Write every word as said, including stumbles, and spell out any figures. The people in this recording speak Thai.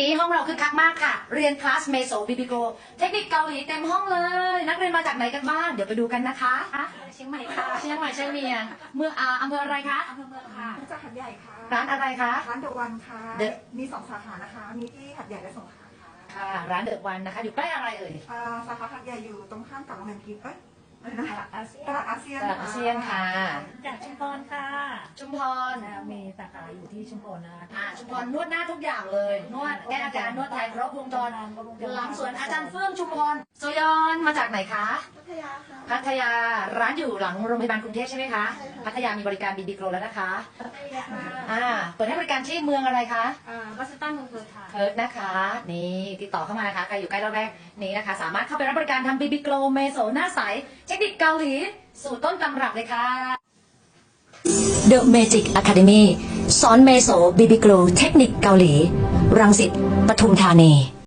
นี้ห้องเราคึกคักมากค่ะเรียนคลาสเมโซบิบิโกเทคนิคเกาหลีเต็มห้องเลยนักเรียนมาจากไหนกันบ้างเดี๋ยวไปดูกันนะคะเชียงใหม่ค่ะเชียงใหม่เชียงเมียงเมืองอาอำเภออะไรคะอำเภอเมืองค่ะจากหัดใหญ่ค่ะร้านอะไรคะร้านเดอะวันค่ะ The มีสองสาขานะคะ มีที่หัดใหญ่และสงขลาค่ะค่ะร้านเดอะวันนะคะอยู่ใกล้อะไรเอ่ยอ่าสาขาหัดใหญ่อยู่ตรงข้ามกับโรงแรมกิฟต์เอ้ยอะไรนะอาเซียตลาดอาเซียนตลาดอาเซียนค่ะจากชุมพรค่ะชุมพรมีสาขาอยู่ที่ชุมพรนะคะอ่าชุมพรนวดหน้าทุกอย่างเลยนวดแก้อาการนวดไทยครบวงจรหลังสวนอาจารย์เฟื่องชุมพรโซยอนมาจากไหนคะพัทยาค่ะพัทยาร้านอยู่หลังโรงพยาบาลกรุงเทพใช่ไหมคะพัทยามีบริการบีบีโกรแล้วนะคะอ่าเปิดให้บริการที่เมืองอะไรคะอ่าบัสตันเมืองเพิร์ทค่ะเพิร์ทนะคะนี่ติดต่อเข้ามานะคะใครอยู่ใกล้ระแวกนี้นะคะสามารถเข้าไปรับบริการทำบีบีโกรเมโซหน้าใสเทคนิคเกาหลีสูตรต้นตำรับเลยค่ะ The Magic Academy สอนเมโซบีบีโกรเทคนิคเกาหลีรังสิตปทุมธานี